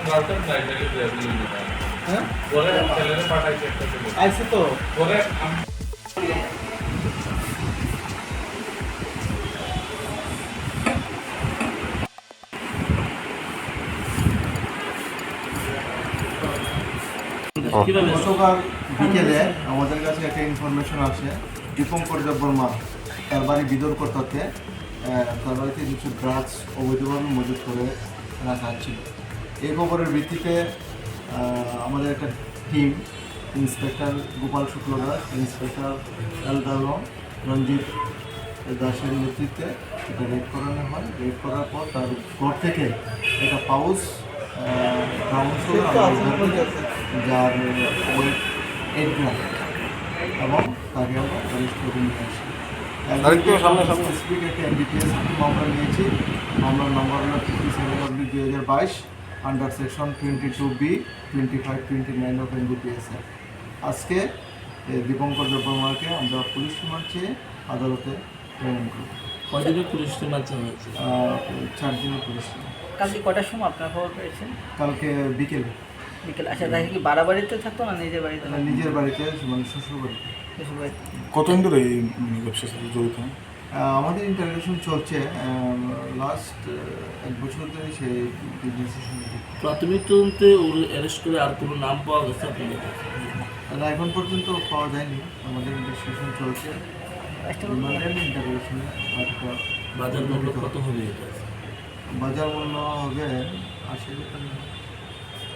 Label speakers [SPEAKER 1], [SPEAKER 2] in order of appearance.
[SPEAKER 1] হ্যাঁ আইসে তো গতকাল বিকেলে আমাদের কাছে একটা ইনফরমেশন আসে দীপঙ্কর দেববর্মা তার বাড়ি বিদরকর্তাতে তার বাড়িতে কিছু ড্রাগস অবৈধভাবে মজুত করে রাখা ছিল। এই খবরের ভিত্তিতে আমাদের একটা team inspector Gopal Shukla Das, inspector এলদালম রঞ্জিত দাসের নেতৃত্বে এটা রেড করানো হয়। রেড করার পর তার ঘর থেকে একটা পাউচ ব্রাউন সুগার যার ওয়েট 8 গ্রাম এবং তাকে আমরা অ্যারেস্ট করে নিয়ে আসি। স্পেসিফিক একটা এনডিপিএস মামলা নিয়েছি। মামলার নম্বর হলো 57/2022 under section 22B 25-29 of NDPS. আজকে দীপঙ্কর দেববর্মাকে আমরা পুলিশ রিমান্ড চেয়ে আদালতে প্রেরণ করি।
[SPEAKER 2] কয়দিনের পুলিশ রিমান্ড হয়েছে?
[SPEAKER 1] 4 দিনের পুলিশ রিমান্ড।
[SPEAKER 3] কালকে কটার সময় আপনার খবর পেয়েছেন?
[SPEAKER 1] কালকে বিকেলে।
[SPEAKER 3] আচ্ছা, তাই কি বাড়িতে থাকতো না নিজের বাড়িতে?
[SPEAKER 1] নিজের বাড়িতে, মানে শ্বশুর বাড়িতে।
[SPEAKER 4] কতদিন ধরে এই ব্যবসার সাথে জড়িত?
[SPEAKER 1] আমাদের ইন্টারভিউশন চলছে লাস্ট 1 বছর ধরে সেই বিজনেসের সঙ্গে।
[SPEAKER 2] প্রাথমিক তদন্তে ওর অ্যারেস্ট করে আর কোনো নাম পাওয়া গেছে আপনাদের?
[SPEAKER 1] না, এখন পর্যন্ত পাওয়া যায়নি। আমাদের ইনভেস্টিগেশন চলছে। ইন্টারভিউশন
[SPEAKER 2] বাজার মূল্য কত হবে এটা?
[SPEAKER 1] বাজার মূল্য হবে 80 টাকা।